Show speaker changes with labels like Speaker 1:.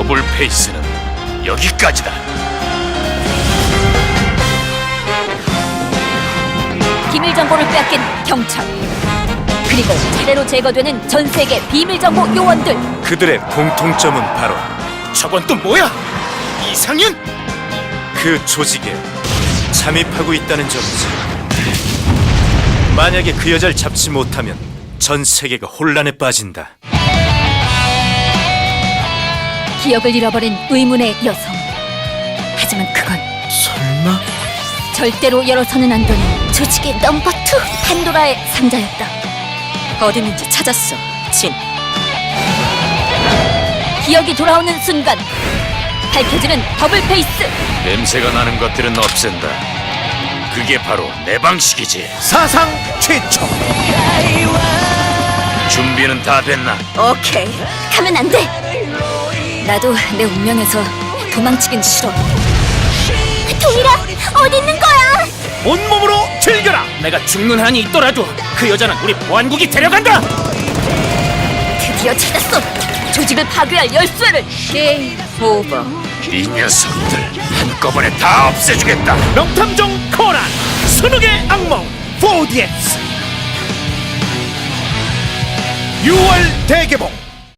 Speaker 1: 더블 페이스는 여기까지다.
Speaker 2: 비밀 정보를 빼앗긴 경찰, 그리고 차례로 제거되는 전 세계 비밀 정보 요원들.
Speaker 3: 그들의 공통점은 바로
Speaker 1: 저건 또 뭐야? 이상윤?
Speaker 3: 그 조직에 잠입하고 있다는 점이지. 만약에 그 여자를 잡지 못하면 전 세계가 혼란에 빠진다.
Speaker 2: 기억을 잃어버린 의문의 여성. 하지만 그건
Speaker 3: 설마?
Speaker 2: 절대로 열어서는 안 되는 조직의 넘버 2 판도라의 상자였다. 어디 있는지 찾았어, 진. 기억이 돌아오는 순간 밝혀지는 더블 페이스.
Speaker 1: 냄새가 나는 것들은 없앤다. 그게 바로 내 방식이지.
Speaker 3: 사상 최초.
Speaker 1: 준비는 다 됐나?
Speaker 2: 오케이, 가면 안 돼. 나도 내 운명에서 도망치긴 싫어. 동일아, 어디 있는 거야?
Speaker 4: 온몸으로 즐겨라. 내가 죽는 한이 있더라도 그 여자는 우리 보안국이 데려간다.
Speaker 2: 드디어 찾았어. 조직을 파괴할 열쇠를. 게임 오버.
Speaker 1: 이 녀석들 한꺼번에 다 없애주겠다.
Speaker 4: 명탐정 코난 순욱의 악몽 4DX 6월 대개봉.